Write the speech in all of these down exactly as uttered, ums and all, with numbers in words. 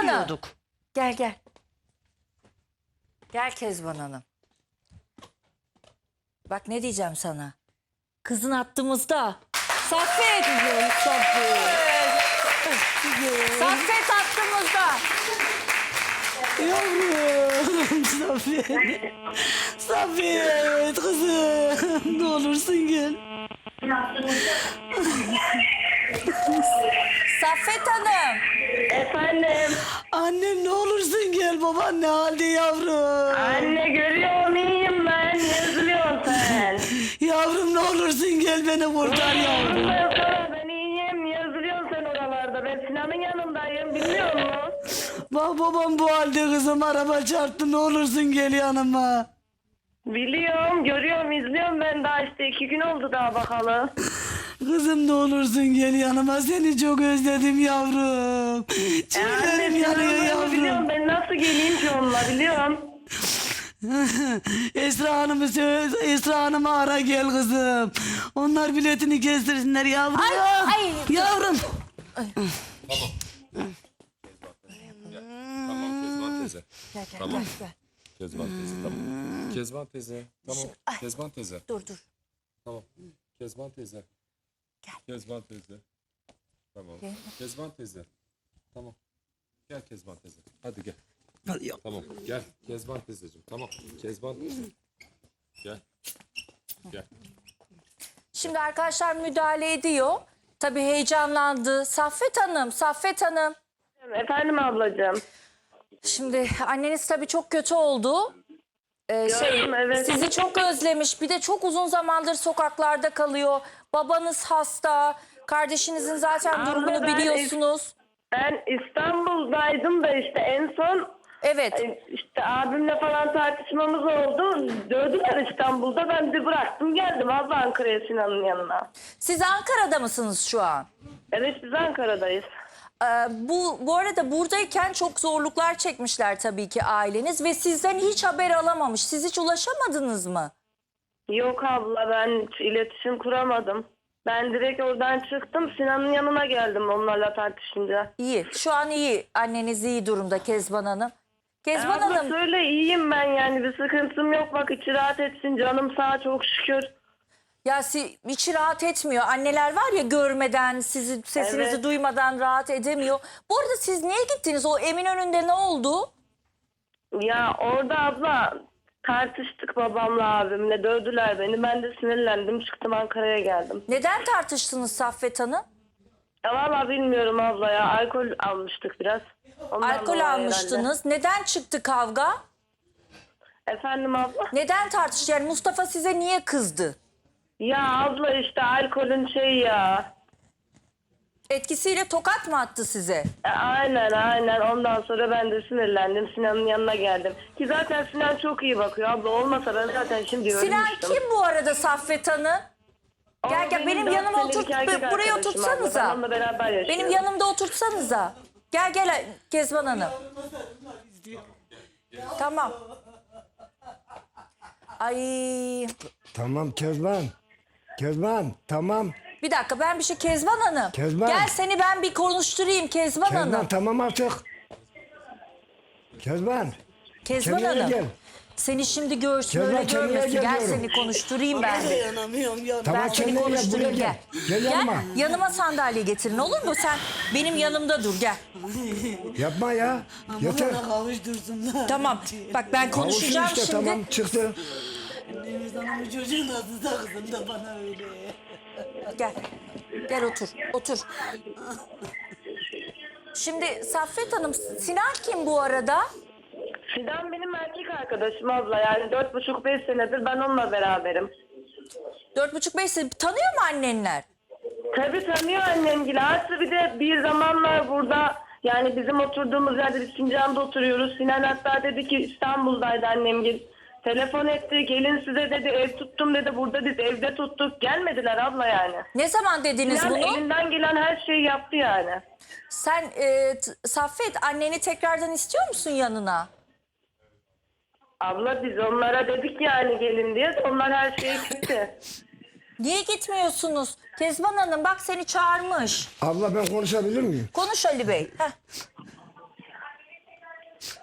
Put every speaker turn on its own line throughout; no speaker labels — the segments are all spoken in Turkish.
Hanım.
biliyorduk.
Gel gel. Gel Kezban Hanım. Bak ne diyeceğim sana. Kızın attığımızda. Saffet. Saffet. Saffet attığımızda.
Yavrum Saffet. Saffet kızım. Ne olursun gel.
Saffet Hanım.
Efendim.
Annem ne olursun gel, baban ne halde yavrum?
Anne görüyorum iyiyim ben. Yazılıyorsun sen.
Yavrum ne olursun gel beni kurtar yavrum.
Ben sana ben iyiyim. Yazılıyorsun sen oralarda. Ben Sinan'ın yanındayım. Bilmiyor musun?
Bak babam bu halde kızım, araba çarptı, ne olursun gel yanıma.
Biliyorum, görüyorum, izliyorum ben daha işte iki gün oldu daha bakalım.
Kızım ne olursun gel yanıma, seni çok özledim yavrum. Çiğlerim yanıyor
Biliyorum
yavrum.
ben nasıl geleyim ki onunla biliyorum.
Esra Hanım'ı söyle, Esra Hanım'ı ara gel kızım. Onlar biletini kestirsinler yavrum.
Ay, ay.
Yavrum.
Tamam Kezban teyze.
Gel gel
Tamam.
gel.
Kezban teyze tamam. Kezban teyze. Tamam.
Ay.
Kezban teyze.
Dur dur.
Tamam. Kezban teyze.
Gel.
Kezban teyze. Tamam.
Gel.
Kezban teyze. Tamam. Gel Kezban teyze. Hadi gel.
Hadi ya.
Tamam. Gel Kezban teyzeciğim. Tamam. Kezban teyze. Gel. Gel.
Şimdi arkadaşlar müdahale ediyor. Tabii heyecanlandı. Saffet Hanım, Saffet Hanım.
Efendim ablacığım.
Şimdi anneniz tabii çok kötü oldu. Ee, şey,
Gördüm, evet.
sizi çok özlemiş. Bir de çok uzun zamandır sokaklarda kalıyor. Babanız hasta. Kardeşinizin zaten
Abla,
durumunu
ben
biliyorsunuz.
Ben İstanbul'daydım da işte en son
Evet.
işte abimle falan tartışmamız oldu. Dövdüler İstanbul'da. Ben de bıraktım geldim abla Ankara'ya Sinan'ın yanına.
Siz Ankara'da mısınız şu an?
Evet biz Ankara'dayız.
Ee, bu bu arada buradayken çok zorluklar çekmişler tabii ki aileniz ve sizden hiç haber alamamış. Siz hiç ulaşamadınız mı?
Yok abla ben hiç iletişim kuramadım. Ben direkt oradan çıktım Sinan'ın yanına geldim onlarla tartışınca.
İyi. Şu an iyi. Anneniz iyi durumda Kezban Hanım. Kezban
Abla
Hanım.
söyle iyiyim ben yani bir sıkıntım yok bak içi rahat etsin canım sağ çok şükür.
Ya si, içi rahat etmiyor. Anneler var ya görmeden, sizin sesinizi
Evet.
duymadan rahat edemiyor. Bu arada siz niye gittiniz? O Eminönü'nde ne oldu?
Ya orada abla tartıştık babamla abimle dövdüler beni ben de sinirlendim çıktım Ankara'ya geldim.
Neden tartıştınız Saffet Hanım?
Ya valla bilmiyorum abla ya alkol almıştık biraz. Ondan
Alkol
dolayı
almıştınız. Neden çıktı kavga?
herhalde. Efendim abla?
Neden tartıştı? Yani Mustafa size niye kızdı?
Ya abla işte alkolün şey ya.
Etkisiyle tokat mı attı size?
E, aynen aynen ondan sonra ben de sinirlendim Sinan'ın yanına geldim. Ki zaten Sinan çok iyi bakıyor abla olmasa ben zaten şimdi
Sinan
ölmüştüm.
kim bu arada Saffet Hanım?
O
Gel gel benim
dört
yanıma
senelik
oturt,
erkek
buraya
arkadaşım abla.
oturtsanıza.
Ben onunla beraber yaşıyorum.
Benim yanımda oturtsanıza. Gel gel Kezban Hanım. Tamam. Ay
Tamam Kezban. Kezban tamam.
bir dakika ben bir şey Kezban Hanım.
Kezban.
Gel seni ben bir konuşturayım Kezban,
Kezban
Hanım.
tamam artık. Kezban.
Kezban
kendine
Hanım.
gel.
Seni şimdi görsün
Kezban,
öyle
kendine
görmesin.
gel
Gel
diyorum.
seni konuşturayım ben. de.
Dayanamıyorum ya.
Tamam
Ben seni
kendine gel buraya
konuşturayım
gel.
gel.
Gel yanıma.
yanıma sandalye getirin olur mu? Sen benim yanımda dur gel.
Yapma ya. Yeter.
Bana kavuştursunlar.
Tamam. Bak ben
Kavuşun
konuşacağım
işte
şimdi.
tamam çıktı.
Deniz Hanım'ın çocuğun adı da kızım da bana öyle.
Gel. Gel otur. Otur. Şimdi Saffet Hanım, Sinan kim bu arada?
Sinan benim erkek arkadaşım abla yani dört buçuk beş senedir ben onunla beraberim.
Dört buçuk beş sene tanıyor mu annenler?
Tabii tanıyor annemgili. Artı bir de bir zamanlar burada yani bizim oturduğumuz yerde biz Sincan'da oturuyoruz. Sinan hatta dedi ki İstanbul'daydı annemgil. Telefon etti gelin size dedi ev tuttum dedi burada biz evde tuttuk. Gelmediler abla yani.
Ne zaman dediniz
Sinan
bunu?
elinden gelen her şeyi yaptı yani.
Sen e, t- Saffet anneni tekrardan istiyor musun yanına?
Abla biz onlara dedik yani gelin diye onlar her şeyi gitti.
Niye gitmiyorsunuz? Kezban Hanım bak seni çağırmış.
Abla ben konuşabilir miyim?
Konuş Ali Bey. Heh.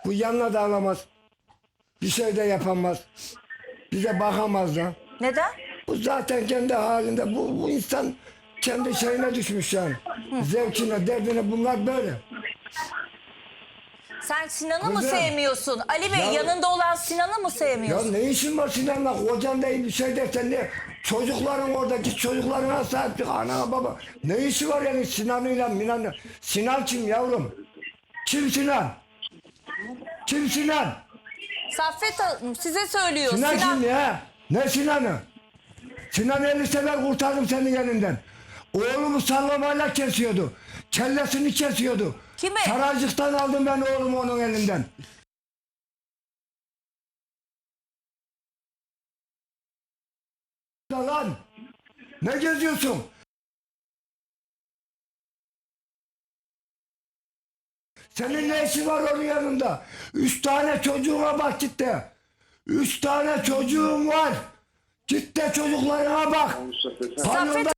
Bu yanına da alamaz. Bir şey de yapamaz. Bize bakamaz da.
Neden?
Bu zaten kendi halinde. Bu, bu insan kendi şeyine düşmüş yani. Zevkine, derdine bunlar böyle.
Sen Sinan'ı mı
Kızım.
sevmiyorsun? Ali Bey
Ya-
yanında olan Sinan'ı mı
Ya
sevmiyorsun?
ne işin var Sinan'la? Kocan değil bir şey dersen ne? Çocukların oradaki çocuklarına sahip çık. Ana baba. Ne işi var yani Sinan'ıyla Minan'la? Sinan kim yavrum? Kim Sinan? Kim Sinan?
Saffet Hanım size söylüyor.
Sinan,
Sinan,
kim ya? Ne Sinan'ı? Sinan elli sefer kurtardım senin elinden. Oğlumu sallamayla kesiyordu. Kellesini kesiyordu.
Kimi?
Saraycıktan aldım ben oğlumu onun elinden. Lan ne geziyorsun? Senin ne işin var onun yanında? Üç tane çocuğuna bak git de. Üç tane çocuğun var. Git de çocuklarına bak.
Saffet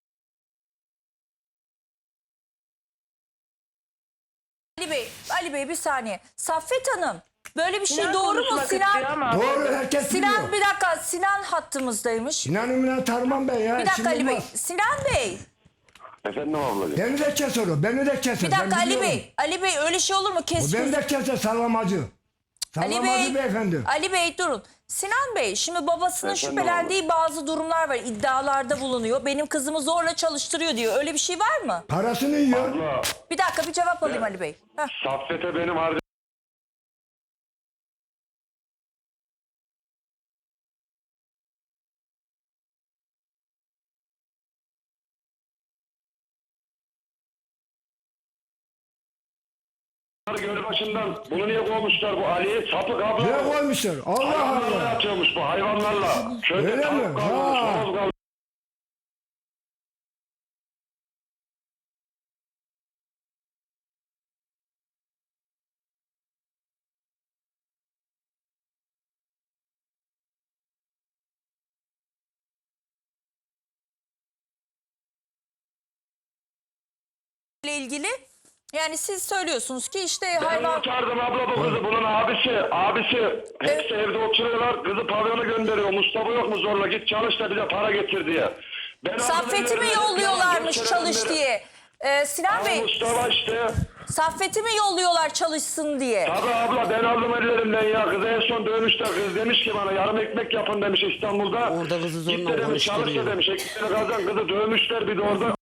Ali Bey, Ali Bey bir saniye. Saffet Hanım böyle bir şey
Sinan
doğru mu?
konuşmak istiyor
Sinan
ama-
Doğru herkes
Sinan
biliyor.
bir dakika Sinan hattımızdaymış.
Sinan'ı Minan tanımam ben ya.
Bir dakika
işim
Ali Bey.
olmaz.
Sinan Bey.
Efendim ablacığım.
Beni de keser o. Beni de keser.
Bir dakika
ben
Ali
biliyorum.
Bey. Ali Bey öyle şey olur mu?
O
Kes
beni
gözü-
de keser sallamacı.
Ali
Sallamacı
Bey.
beyefendi.
Ali Bey durun. Sinan Bey şimdi babasının
Efendim
şüphelendiği bazı durumlar var. İddialarda bulunuyor. Benim kızımı zorla çalıştırıyor diyor. Öyle bir şey var mı?
Parasını yiyor.
Abla,
Bir dakika bir cevap alayım Ali Bey. Heh.
Saffet'e benim harcım. Gölbaşından bunu niye kovmuşlar bu Ali'yi? Sapık abla.
Ne koymuşlar? Allah
Hayvanlarla
Allah.
yatıyormuş bu hayvanlarla. Köyde
Öyle
tavuk
mi?
kalmamış,
Ha.
horoz kalmamış.
ile ilgili yani siz söylüyorsunuz ki işte
Ben
hayvan
kurtardım abla bu kızı. Bunun abisi, abisi hepsi evde oturuyorlar. Kızı pavyona gönderiyor. Mustafa yok mu zorla git çalış da bize para getir diye. Ben
Saffet'i mi yolluyorlarmış çalış diye. Ee, Sinan Bey
Mustafa işte.
Saffet'i mi yolluyorlar çalışsın diye.
Tabii abla ben aldım ellerimden ya. Kızı en son dövmüşler. Kız demiş ki bana yarım ekmek yapın demiş İstanbul'da.
Orada kızı zorla
Git de demiş çalış da
konuşturuyor.
demiş. Ekmeğini kazan kızı dövmüşler bir de orada.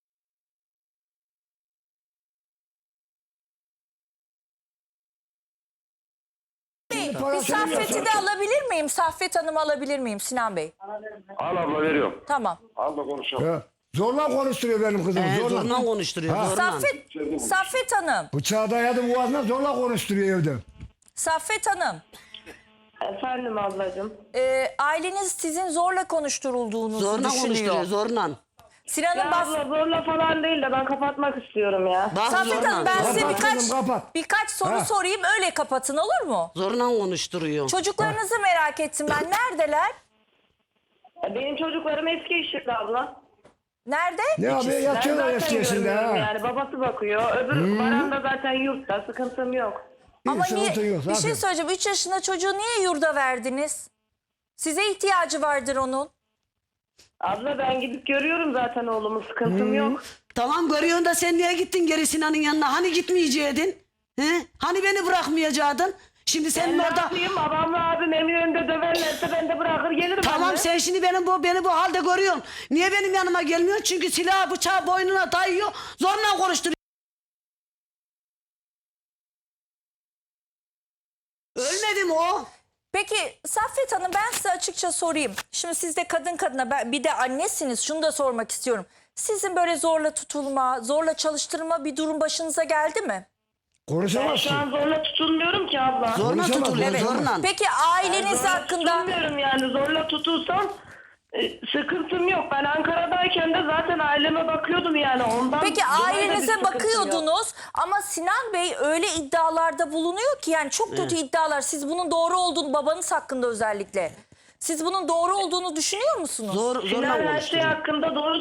Bir
parasını
Saffet'i
yiyor.
de alabilir miyim? Saffet Hanım'ı alabilir miyim Sinan Bey?
Al abla veriyorum.
Tamam.
Al da konuşalım.
Ya, zorla konuşturuyor benim kızım.
Ee,
zorla.
zorla konuşturuyor.
Ha.
Zorla.
Saffet, Saffet Hanım.
Bıçağı dayadı boğazına zorla konuşturuyor evde.
Saffet Hanım.
Efendim ablacığım.
e, aileniz sizin zorla konuşturulduğunuzu
Zorla
düşünüyor.
konuşturuyor. Zorla.
Sinan'ın
Ya
bas...
abla zorla falan değil de ben kapatmak istiyorum ya.
Bak
Saffet
zorla.
Hanım ben size
Kapat
birkaç
kızım, kapat.
birkaç soru
Ha.
sorayım öyle kapatın olur mu?
Zorla konuşturuyor.
Çocuklarınızı merak ettim ben. Neredeler?
Benim çocuklarım eski işitli abla.
Nerede?
Ne abi
Ben
yatıyorlar
zaten
eski yaşında
görmüyorum
ha.
yani babası bakıyor. Öbür Baran da zaten yurtta sıkıntım yok.
Ama
Bir
niye?
sıkıntı yok
Bir şey
zaten.
söyleyeceğim. üç yaşında çocuğu niye yurda verdiniz? Size ihtiyacı vardır onun.
Abla ben gidip görüyorum zaten oğlumu sıkıntım yok.
Tamam görüyorsun da sen niye gittin geri Sinan'ın yanına? Hani gitmeyeceydin? He? Hani beni bırakmayacaktın? Şimdi
Ben
senin
ne
orada...
yapayım babamla abim eminönünde döverlerse ben de bırakır gelirim.
Tamam
anne.
sen şimdi benim bu beni bu halde görüyorsun. Niye benim yanıma gelmiyorsun? Çünkü silah bıçağı boynuna dayıyor. Zorla konuşturuyor. Ölmedi mi o?
Peki Saffet Hanım ben size açıkça sorayım. Şimdi siz de kadın kadına ben- bir de annesiniz. Şunu da sormak istiyorum. Sizin böyle zorla tutulma, zorla çalıştırma bir durum başınıza geldi mi?
Ben
Konuşamazsın.
şu an zorla tutulmuyorum ki abla.
Zorla
Konuşamaz,
tutuluyor
evet.
zorla.
Peki aileniz
Zorla
hakkında
tutulmuyorum yani zorla tutulsam e, sıkıntım yok. Ben Ankara'dayken de zaten aileme bakıyordum yani ondan.
Peki
dolayı da bir
ailenize
sıkıntım yok.
bakıyordunuz ama Sinan Bey öyle iddialarda bulunuyor ki yani çok kötü iddialar. Siz bunun doğru olduğunu babanız hakkında özellikle. Siz bunun doğru olduğunu düşünüyor musunuz?
Zor,
Sinan
zorla
her şey
konuşturuyor.
hakkında doğru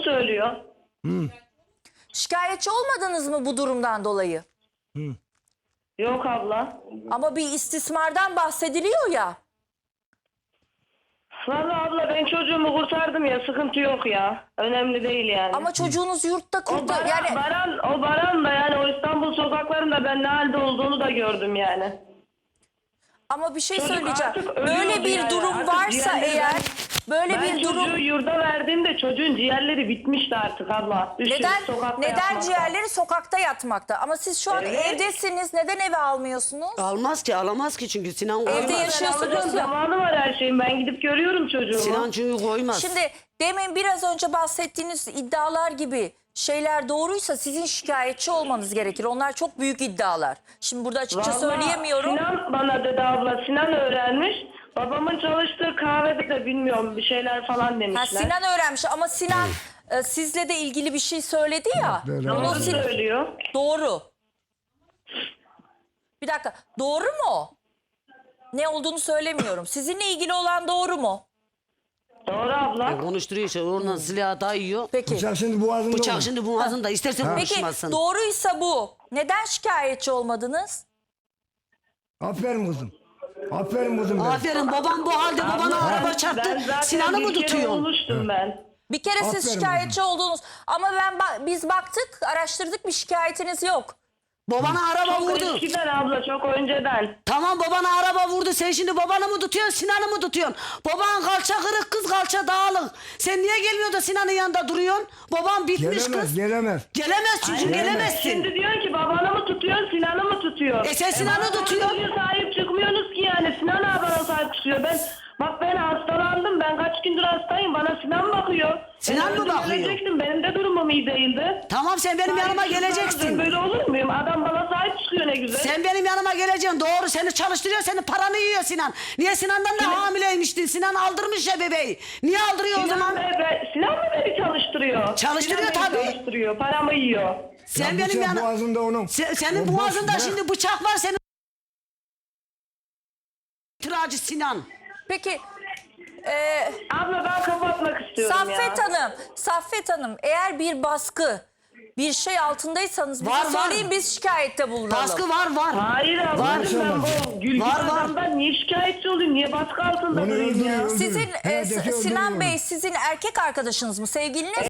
Yok abla.
Ama bir istismardan bahsediliyor ya.
Vallahi abla ben çocuğumu kurtardım ya, sıkıntı yok ya. Önemli değil yani.
Ama çocuğunuz yurtta
o
kurtar.
baran,
Yani
baran, o baran da yani o İstanbul sokaklarında ben ne halde olduğunu da gördüm yani.
ama bir şey
Çocuk
söyleyeceğim.
artık
Böyle
ölüyordu
bir
yani.
durum
Artık
varsa
ciğerleri
eğer
ben-
böyle
Ben
bir
çocuğu
durum
yurda verdiğimde çocuğun ciğerleri bitmişti artık abla. Düşün,
neden
sokakta
neden
yatmakta.
ciğerleri sokakta yatmakta? Ama siz şu an
Evet.
evdesiniz. Neden eve almıyorsunuz?
Almaz ki, alamaz ki çünkü Sinan koymaz.
Evde yaşıyorsunuz
Ben alacağım,
ya.
zamanı var her şeyin. Ben gidip görüyorum çocuğumu.
Sinan çünkü koymaz.
Şimdi demin biraz önce bahsettiğiniz iddialar gibi şeyler doğruysa sizin şikayetçi olmanız gerekir. Onlar çok büyük iddialar. Şimdi burada açıkça
Vallahi
söyleyemiyorum.
Sinan bana dedi abla. Sinan öğrenmiş. Babamın çalıştığı kahvede de bilmiyorum bir şeyler falan demişler.
Ha, Sinan öğrenmiş ama Sinan e, sizle de ilgili bir şey söyledi ya.
Böyle
Onu
Doğru
Sin-
söylüyor.
Doğru. Bir dakika. Doğru mu? Ne olduğunu söylemiyorum. Sizinle ilgili olan doğru mu?
Doğru abla.
Konuşturuyor işte, oradan silahı dayıyor.
Peki.
Bıçak şimdi boğazında
Bıçak
mı?
şimdi boğazında, isterse
Peki
konuşmasın.
doğruysa bu. Neden şikayetçi olmadınız?
Aferin kızım. Aferin kızım benim.
Aferin, babam bu halde, babana araba
Ben
çarptı.
zaten
Sinan'ı mı
bir kere
tutuyorsun?
olmuştum ben.
Bir kere siz
Aferin
şikayetçi oldunuz. Ama ben ba- biz baktık, araştırdık, bir şikayetiniz yok.
Babana araba
Çok
vurdu.
eskiden abla, çok önceden.
Tamam, babana araba vurdu. Sen şimdi babanı mı tutuyorsun, Sinan'ı mı tutuyorsun? Baban kalça kırık, kız kalça dağılık. Sen niye gelmiyor da Sinan'ın yanında duruyorsun? Baban bitmiş
Gelemez,
kız.
gelemez.
Gelemez çünkü, gelemezsin.
Şimdi diyorsun ki babanı mı tutuyorsun, Sinan'ı mı tutuyor?
E sen Sinan'ı
bana
tutuyorsun.
çocuğa sahip çıkmıyorsunuz ki yani. Sinan abi bana sahip çıkıyor. Ben bak ben hastalandım. Ben kaç gündür hastayım. Bana Sinan bakıyor.
Sinan
Ben
mı
öldüm,
bakıyor?
ölecektim. Benim de durumum iyi değildi.
Tamam, sen benim yanıma
Sahip çıkmaz. Ben
geleceksin.
böyle olur muyum? Adam bana sahip çıkıyor ne güzel.
Sen benim yanıma geleceksin. Doğru, seni çalıştırıyor, senin paranı yiyor Sinan. Niye Sinan'dan da hamileymiştin? Sinan aldırmış ya bebeği. Niye aldırıyor o
Sinan,
zaman?
be- be- Sinan mı beni çalıştırıyor?
Çalıştırıyor
Sinan beni
tabii.
Çalıştırıyor. Paramı yiyor.
Sen
Ya
benim
bıçak
yanım...
boğazında onun.
Se- senin
O boş,
boğazında
bırak.
şimdi bıçak var, senin... Tiracı Sinan.
Peki e,
Abla ben kapatmak istiyorum
Saffet
ya.
Hanım, Saffet Hanım eğer bir baskı, bir şey altındaysanız bize
Var, var.
söyleyin, biz şikayette bulunalım.
Baskı var, var.
Hayır
Var.
ablacığım ben bu gülgün
Var, var.
adamdan niye şikayetçi olayım? Niye baskı altında
Onu
durayım ya?
öldürüyor.
Sizin e,
Hedefi
S-
öldürüyor
Sinan
onu.
Bey sizin erkek arkadaşınız mı, sevgiliniz?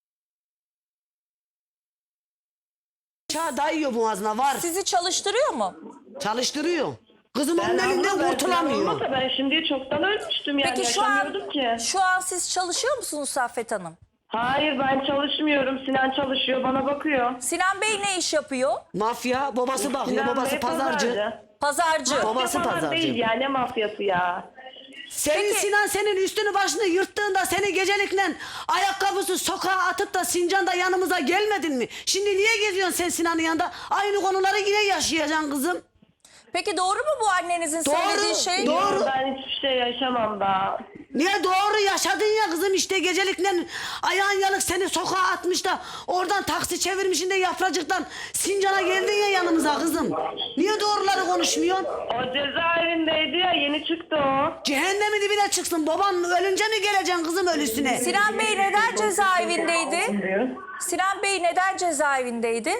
Bıçağı dayıyor boğazına, var.
Sizi çalıştırıyor mu?
Çalıştırıyor. Kızım onun
Ben
elinden
abla, ben
kurtulamıyor.
Sinan olmasa ben şimdiye çoktan ölmüştüm yani.
Peki şu an
yaşamıyordum ki.
şu an siz çalışıyor musunuz Saffet Hanım?
Hayır ben çalışmıyorum. Sinan çalışıyor bana bakıyor.
Sinan Bey ne iş yapıyor?
Mafya, babası bakıyor,
Sinan
babası
Bey
pazarcı.
Pazarcı.
Babası
Mafya falan
pazarcı.
değil ya, ne mafyası ya.
Senin
Peki-
Sinan senin üstünü başını yırttığında seni gecelikle ayakkabısı sokağa atıp da Sincan'da yanımıza gelmedin mi? Şimdi niye geziyorsun sen Sinan'ın yanında? Aynı konuları yine yaşayacaksın kızım.
Peki doğru mu bu annenizin
Doğru,
söylediği şey?
doğru.
Ben hiçbir şey yaşamam daha.
Niye doğru yaşadın ya kızım, işte gecelikle ayağın yalık seni sokağa atmış da oradan taksi çevirmişin de Yapracık'tan Sincan'a geldin ya yanımıza kızım. Niye doğruları konuşmuyorsun?
O cezaevindeydi ya, yeni çıktı o.
Cehennemin dibine çıksın, baban ölünce mi geleceksin kızım ölüsüne?
Sinan Bey neden cezaevindeydi? Sinan Bey neden cezaevindeydi?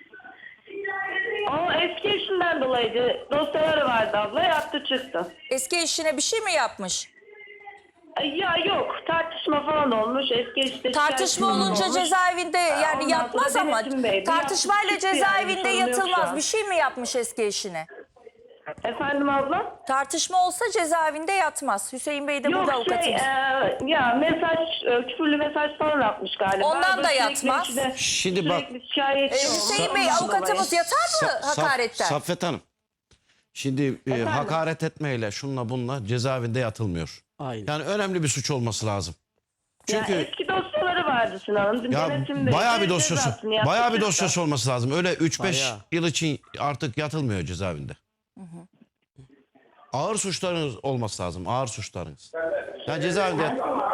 O eski eşinden dolayıydı. Dosyaları vardı abla, yattı çıktı.
Eski eşine bir şey mi yapmış?
Ay, Ya yok, tartışma falan olmuş. Eski eşte
Tartışma
şikayet
olunca
olmuş.
cezaevinde yani
Ondan
yatmaz
sonra
ama
denetimdeydi.
tartışmayla
Yattı çıktı
cezaevinde
yani, sorun yok şu
yatılmaz.
an.
Bir şey mi yapmış eski eşine?
Efendim abla?
Tartışma olsa cezaevinde yatmaz. Hüseyin Bey de
Yok
burada
şey,
avukatımız.
e, ya mesaj, e, küfürlü mesaj falan atmış galiba.
Ondan da
Sürekli
yatmaz.
işte-
Şimdi bak-
sürekli şikayetçi
Ee,
olmuş.
Hüseyin Bey
Ondan
avukatımız
dolayı.
yatar mı
Sa- Saf-
hakaretten?
Saffet Hanım. Şimdi e,
Efendim?
hakaret etmeyle şunla bunla cezaevinde yatılmıyor.
Aynen.
Yani önemli bir suç olması lazım.
Ya
Çünkü
eski dosyaları vardı Sinan'ın.
ya,
Denetimde
bayağı bir
işte
dosyası,
cezasını yattı
bayağı bir
çıktı.
dosyası olması lazım. Öyle üç beş
Bayağı.
yıl için artık yatılmıyor cezaevinde. Ağır suçlarınız olması lazım. Ağır suçlarınız. Yani cezaevinde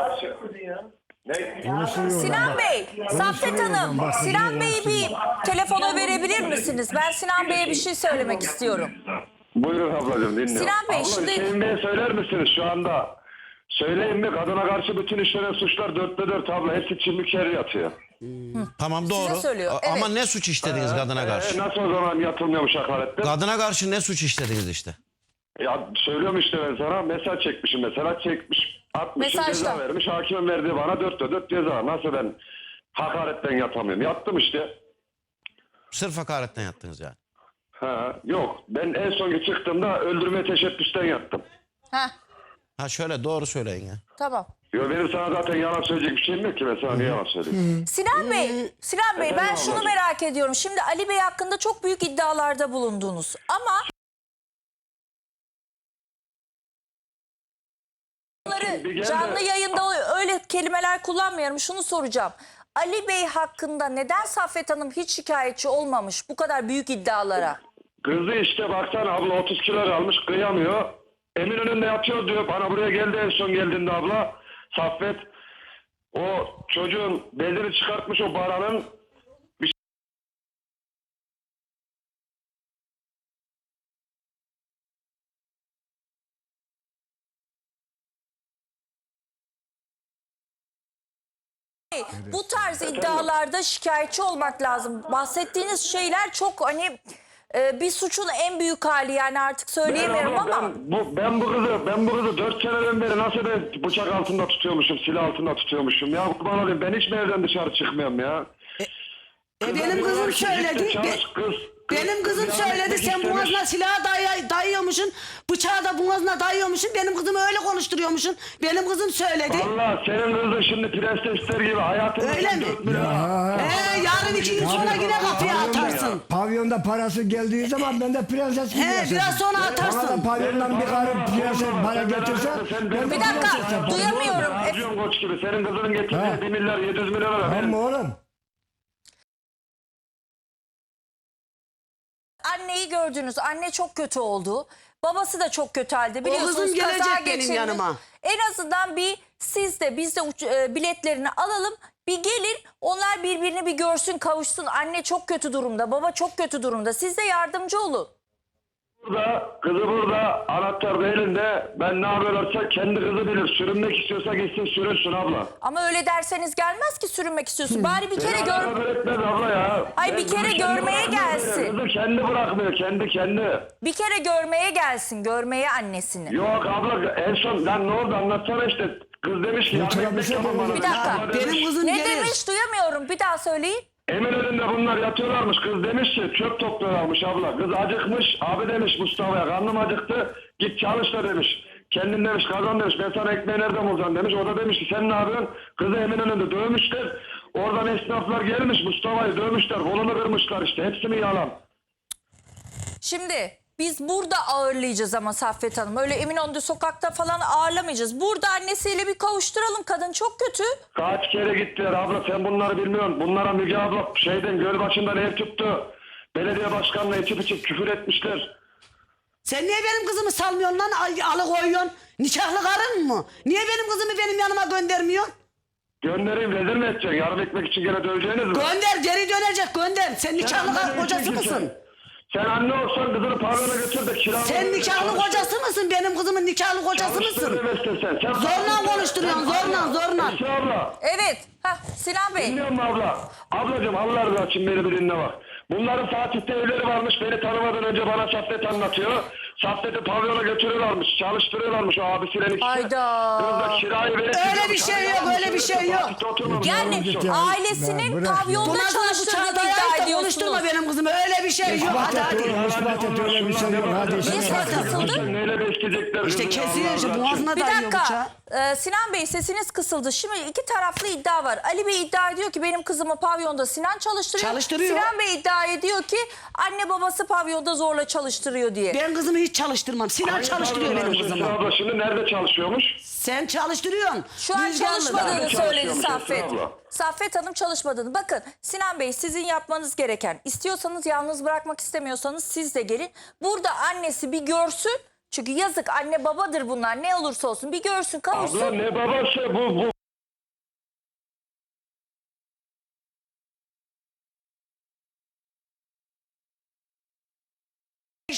Sinan Bey, Saffet Hanım,
bak,
Sinan Bey'i bir telefona verebilir misiniz? Ben Sinan Bey'e bir şey söylemek istiyorum.
Buyurun ablacığım dinliyorum.
Sinan Bey,
Abla,
şimdi-
Hüseyin Bey'e söyler misiniz şu anda? Söyleyin mi, kadına karşı bütün işlenen suçlar dörtte dört abla. Hepsi çimlik yeri yatıyor.
Tamam doğru.
söylüyor,
A-
evet.
Ama ne suç işlediniz kadına
E,
karşı?
nasıl o zaman yatılmıyormuş hakaretler?
Kadına karşı ne suç işlediniz işte?
Ya söylüyorum işte ben sana mesaj çekmişim mesela çekmiş. Atmışım
Mesajda.
ceza vermiş. Hakimin verdiği bana dörtte dört ceza. Nasıl ben hakaretten yatamıyorum? Yattım işte.
Sırf hakaretten yattınız yani.
Ha, yok ben en son çıktığımda öldürmeye teşebbüsten yattım.
Heh,
Ha şöyle doğru söyleyin ya.
tamam.
Yo, benim sana zaten yalan söyleyecek bir şeyim yok ki ben sana niye yalan söyleyeyim?
Sinan Bey, Sinan Bey ben
Efendim
şunu
ablacığım?
merak ediyorum. Şimdi Ali Bey hakkında çok büyük iddialarda bulundunuz. Ama bunları
Bir gel de-
canlı yayında öyle kelimeler kullanmıyorum. Şunu soracağım. Ali Bey hakkında neden Saffet Hanım hiç şikayetçi olmamış bu kadar büyük iddialara?
Kızı işte baksana abla otuz kilo almış kıyamıyor. Eminönü'nde yatıyor diyor. Bana buraya geldi en son geldiğinde abla. Saffet. O çocuğun bezini çıkartmış o baranın. Bir
Bu tarz iddialarda şikayetçi olmak lazım. Bahsettiğiniz şeyler çok hani e, bir suçun en büyük hali yani artık söyleyemiyorum
ben, abla,
ama.
ben, bu, ben bu kızı ben bu kızı dört seneden beri nasıl ben bıçak altında tutuyormuşum, silah altında tutuyormuşum ya kurban olayım ben hiç mi evden dışarı çıkmıyorum ya.
E,
Kıza
benim kızım
diyorlar ki,
söyledi.
git de çalış,
Be-
kız, kız,
benim kızım
kız
söyledi.
yardım
Sen
etmek
boğazına
istemiş.
silahı day- dayıyormuşsun. Bıçağı da boğazına dayıyormuşsun. Benim kızımı öyle konuşturuyormuşsun. Benim kızım söyledi.
Allah senin kızın şimdi prensesler gibi hayatını
Öyle mi? Ee, yarın iki gün sonra yine kapıya atarsın.
Pavyonda parası geldiği zaman ben de prenses gibi
He,
yaşarım.
biraz sonra
Bana da
atarsın.
pavyondan bir karı prenses para getirse ben de
Bir dakika,
prenses yaparım.
duyamıyorum.
Harcıyorum koç gibi. Senin kızının getirdiği
Ha.
bir milyar yedi yüz milyon lira.
Tamam
Benim
mı oğlum?
Anneyi gördünüz. Anne çok kötü oldu. Babası da çok kötü halde. Biliyorsunuz
kızım gelecek
kaza
benim
geçirdi.
yanıma.
En azından bir siz de biz de uç- e, biletlerini alalım. Bir gelin onlar birbirini bir görsün kavuşsun. Anne çok kötü durumda. Baba çok kötü durumda. Siz de yardımcı olun.
burada, kızı burada, anahtar da elinde. Ben ne yapıyorlarsa kendi kızı bilir. Sürünmek istiyorsa gitsin sürünsün abla.
Ama öyle derseniz gelmez ki sürünmek istiyorsun. Bari bir kere
Beni
gör.
alakadar etmez abla ya.
Ay, bir
Ben
kere
kızı kendi
görmeye
bırakmıyor
gelsin.
beni. Kızı kendi bırakmıyor. Kendi kendi.
Bir kere görmeye gelsin. Görmeye annesini.
Yok abla en son lan ne oldu anlatsana işte. Kız demiş ki
Yok,
yardım
bir
etmek
şey
tamam bana.
demedim.
Bir dakika.
Abla demiş,
Benim kızım
Ne
gelir.
demiş duyamıyorum. Bir daha söyleyin.
Eminönü'nde bunlar yatıyorlarmış. Kız demiş ki çöp topluyorlarmış abla. Kız acıkmış. Abi demiş Mustafa'ya karnım acıktı. Git çalış da demiş. Kendin demiş kazan demiş. Ben sana ekmeği nereden bulacağım demiş. O da demiş ki sen ne yapıyorsun? Kızı Eminönü'nde dövmüşler. Oradan esnaflar gelmiş Mustafa'yı dövmüşler. Kolunu kırmışlar işte. Hepsi mi yalan?
Şimdi biz burada ağırlayacağız ama Saffet Hanım. Öyle Eminönü'nde sokakta falan ağırlamayacağız. Burada annesiyle bir kavuşturalım. Kadın çok kötü.
Kaç kere gittiler abla sen bunları bilmiyorsun. Bunlara Müge abla şeyden göl başından ev tuttu. Belediye başkanına içip içip küfür etmişler.
Sen niye benim kızımı salmıyorsun lan? Ay, alıkoyuyorsun. Nikahlı karın mı? Niye benim kızımı benim yanıma göndermiyorsun?
Göndereyim rezil mi edeceksin? Yardım etmek için gene döveceğiniz mi?
Gönder, geri dönecek gönder. Sen nikahlı
anne
kar-
değilsin
kocası
ki
mısın?
Sen. Sen anne olsan kızını pavyona götür de kiralı.
Sen nikahlı kocası mısın? Benim kızımın nikahlı kocası mısın?
Sen
Zorla konuşturuyorsun, zorla, zorla.
Esra abla.
Evet. Hah, Sinan Bey.
Dinliyor musun abla? Ablacığım Allah rızası için beni bir dinle bak. Bunların Fatih'te evleri varmış. Beni tanımadan önce bana Saffet anlatıyor. Saffet'i pavyona götürüyorlarmış. Çalıştırıyorlarmış o abisiyle ikisi.
Hayda.
Kız da kirayı verip...
Öyle bir şey yok, öyle bir şey yok.
Fatih'te oturmamış.
Yani
Yavrum,
Ya,
ailesinin
bırak ya.
pavyonda
Buna sana bıçağı
çalıştırdığını iddia
dayayıp da
ediyorsunuz.
konuşturma benim kızımı. Öyle bir şey yok. Hadi hadi.
İspat et öyle bir şey yok. Hadi
Niye
ispat
ses
et.
kısıldı?
Neyle besleyecekler
İşte
kızı ya,
kesiyor
Allah
işte
razı
boğazına
Bir
dayıyor bıçağı.
dakika. Ee, Sinan Bey sesiniz kısıldı. Şimdi iki taraflı iddia var. Ali Bey iddia ediyor ki benim kızımı pavyonda Sinan çalıştırıyor.
Çalıştırıyor.
Sinan Bey iddia ediyor ki anne babası pavyonda zorla çalıştırıyor diye.
Ben kızımı hiç çalıştırmam. Sinan
Hangi
çalıştırıyor
pavyonda
benim
çalışıyor
kızımı.
abla şimdi nerede çalışıyormuş?
Sen çalıştırıyorsun.
Şu an
Rüzgarlı'da.
çalışmadığını
Nerede
söyledi
çalışıyormuş
Saffet.
Esra abla?
Saffet Hanım çalışmadığını. Bakın Sinan Bey sizin yapmanız gereken, istiyorsanız yalnız bırakmak istemiyorsanız siz de gelin. Burada annesi bir görsün. Çünkü yazık anne babadır bunlar ne olursa olsun bir görsün kavuşsun.
Abla ne babası bu bu.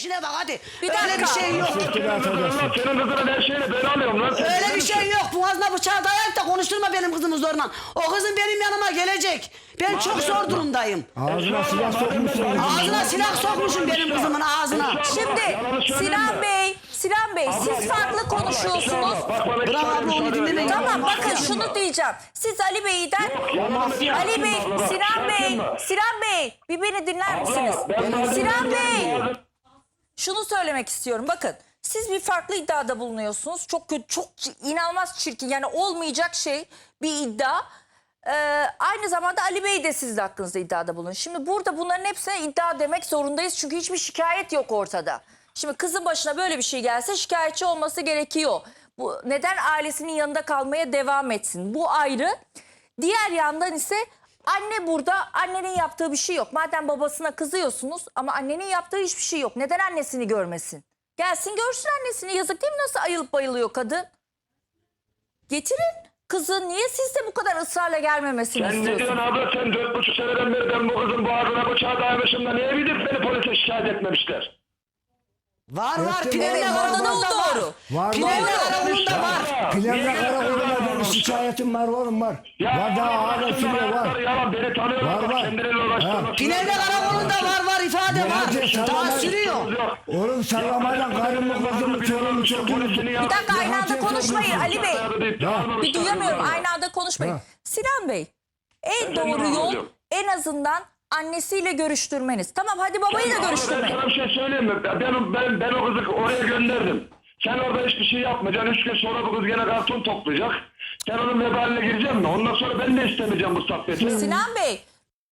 işine bak hadi.
Bir
Öyle
dakika.
bir şey yok.
Senin kızın lan, senin kızının her şeyini ben alıyorum lan. Sen
Öyle bir
kimsin?
şey yok. Boğazına bıçağı dayayıp da konuşturma benim kızımı zorla. O kızım benim yanıma gelecek. Ben çok zor durumdayım.
Ağzına silah sokmuşsun.
Ağzına silah sokmuşum benim kızımın ağzına.
Şimdi Sinan Bey, Sinan Bey siz farklı konuşuyorsunuz.
Bırak abla onu dinlemeyin.
Tamam bakın şunu diyeceğim. Siz Ali Bey'den Ali Bey, Sinan Bey, Sinan Bey bir beni dinler misiniz? Sinan Bey şunu söylemek istiyorum. Bakın siz bir farklı iddiada bulunuyorsunuz. Çok kötü, çok inanılmaz çirkin yani olmayacak şey bir iddia. Ee, aynı zamanda Ali Bey de sizin hakkınızda iddiada bulunuyor. Şimdi burada bunların hepsine iddia demek zorundayız. Çünkü hiçbir şikayet yok ortada. Şimdi kızın başına böyle bir şey gelse şikayetçi olması gerekiyor. Bu neden ailesinin yanında kalmaya devam etsin? Bu ayrı. Diğer yandan ise anne burada, annenin yaptığı bir şey yok. Madem babasına kızıyorsunuz ama annenin yaptığı hiçbir şey yok. Neden annesini görmesin? Gelsin görsün annesini. Yazık değil mi nasıl ayılıp bayılıyor kadın? Getirin kızı. Niye siz de bu kadar ısrarla gelmemesini
Sen ne diyorsun
istiyorsunuz?
abla, sen dört buçuk seneden beri ben bu kızın boğazına bıçağı dayamışım da niye gidip beni polise şikayet etmemişler?
Var var.
Evet,
Pilavla
evet, orada da o
karakolunda
doğru.
var.
Var
Pilavla
var.
karakolunda var.
Pilavla karakoluna benim şikayetim var oğlum var. Var daha hala sürüyor var.
Yalan beni tanıyorlar.
Var,
bak,
var.
Kendileriyle uğraştığını.
Pilavla karakolunda var var ifade
Nerede
var. Daha
sallama-
sürüyor.
Oğlum sallamadan karımı kızımı çocuğumu çocuğumu.
Bir dakika aynı anda konuşmayın Ali Bey. Bir duyamıyorum aynı anda konuşmayın.
Ha.
Sinan Bey en
Ben
doğru
de
yol
anlıyorum.
en azından annesiyle görüştürmeniz. Tamam hadi babayı da
Ben
görüştürmeyin.
sana bir şey söyleyeyim mi? Ben, ben, ben o kızı oraya gönderdim. Sen orada hiçbir şey yapmayacaksın. Üç gün sonra bu kız gene karton toplayacak. Sen onun vebaline gireceksin mi? Ondan sonra ben de istemeyeceğim bu saffeti.
Sinan Bey.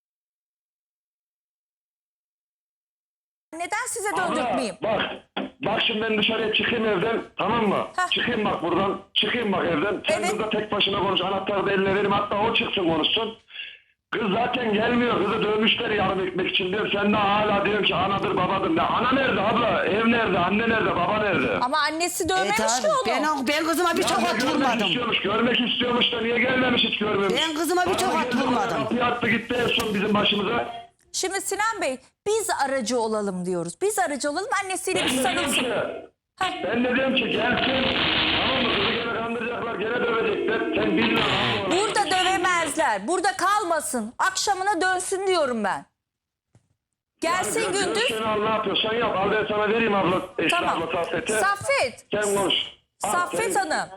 Neden size döndürtmeyeyim?
Bak, bak şimdi ben dışarıya çıkayım evden, tamam mı?
Heh.
Çıkayım bak buradan, çıkayım bak evden. Sen
Evet.
burada tek başına konuş, anahtarı da eline vereyim, hatta o çıksın konuşsun. Kız zaten gelmiyor, kızı dövmüşler yarım ekmek için diyor. Sen de hala diyorsun ki anadır babadır. Ne? Ana nerede abla? Ev nerede? Anne nerede? Baba nerede?
Ama annesi dövmemiş
Evet
ki
abi.
onu.
Ben, o- ben kızıma bir
Ya
tokat
görmek
vurmadım.
istiyormuş, görmek istiyormuş da niye gelmemiş hiç görmemiş.
Ben kızıma bir
Bana
tokat
geldi,
vurmadım.
Kapıyı attı gitti en son bizim başımıza.
Şimdi Sinan Bey biz aracı olalım diyoruz. Biz aracı olalım annesiyle bir
Ben de diyorum
sarılsın.
ki, ben de diyorum ki gelsin. Tamam mı? Kızı gene kandıracaklar, gene dövecekler. Sen bilmiyorsun. abla.
Burada dövemezler. Burada kalmasın. Akşamına dönsün diyorum ben. Gelsin
Yani
gündüz.
Sen al ne yapıyorsan yap. Al ben sana vereyim abla. Eşli
Tamam.
abla Saffet'e.
Saffet.
Sen konuş. Al,
Saffet
sen-
Hanım.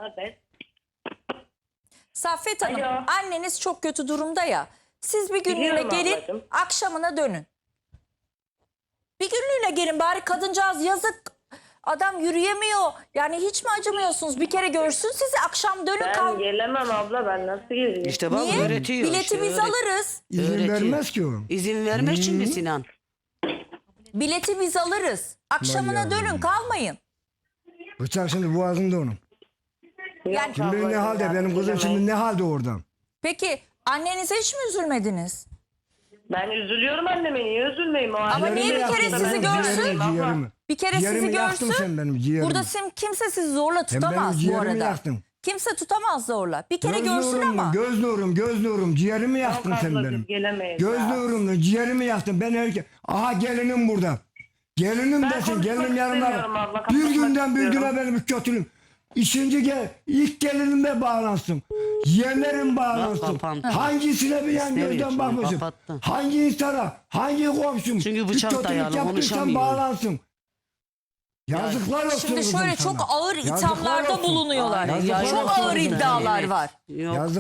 Saffet Hanım.
Alo.
Anneniz çok kötü durumda ya. Siz bir günlüğüne
Biliyorum
gelin.
ablacığım.
Akşamına dönün. Bir günlüğüne gelin bari kadıncağız yazık. Adam yürüyemiyor. Yani hiç mi acımıyorsunuz? Bir kere görsün sizi akşam dönün
Ben
kal.
gelemem abla, ben nasıl geleyim?
İşte bak
Niye?
öğretiyor.
Bileti
işte,
biz
öğret-
alırız.
İzin
öğretiyor.
vermez ki o.
İzin vermez şimdi Sinan.
Bileti biz alırız. Akşamına
Vay
dönün kalmayın.
Bıçak şimdi boğazında onun.
Yani
Kim bilir ne halde benim kızım şimdi ne halde orada.
peki annenize hiç mi üzülmediniz?
Ben üzülüyorum anneme, niye üzülmeyeyim o
Ama
anneme?
niye bir
Ciğerimi
kere
yaktın
sizi
benim,
görsün?
Ciğerimi, ciğerimi.
Bir kere
Ciğerimi
sizi
yaktın
görsün.
sen benim ciğerimi.
Burada sim, kimse sizi zorla
Sen benim
tutamaz bu
ciğerimi
arada.
yaktın.
Kimse tutamaz zorla. Bir kere
Göz
görsün
nurum,
ama.
Göz nurum, göz nurum. Ciğerimi yaktın
Yok
sen
abla,
benim.
biz gelemeyiz
Göz
ya.
nurum, ciğerimi yaktın. Ben erkek. Aha gelinim burada. Gelinim
Ben
desin,
konuşmak
gelinim yanımda.
istemiyorum abla,
Bir
kapatmak
günden bir
istiyorum.
güne benim kötülüğüm. İkinci gel, ilk gelinime bağlansın. Yeğenlerim bağlansın.
kapandı.
Hangisine bir yan
İstemiyor
gözden
şimdi,
bakmasın.
kapattı.
Hangi insana, hangi komşum.
Çünkü
bir
bıçak
kötülük
dayalı,
yaptıysan
konuşamıyor.
bağlansın. Yazıklar olsun
Şimdi
kızım
şöyle
sana.
çok ağır
Yazıklar
ithamlarda
olsun.
bulunuyorlar.
Yazıklar
Çok
olsun
ağır
kızım.
iddialar
Evet.
var.
Yok.
Yazık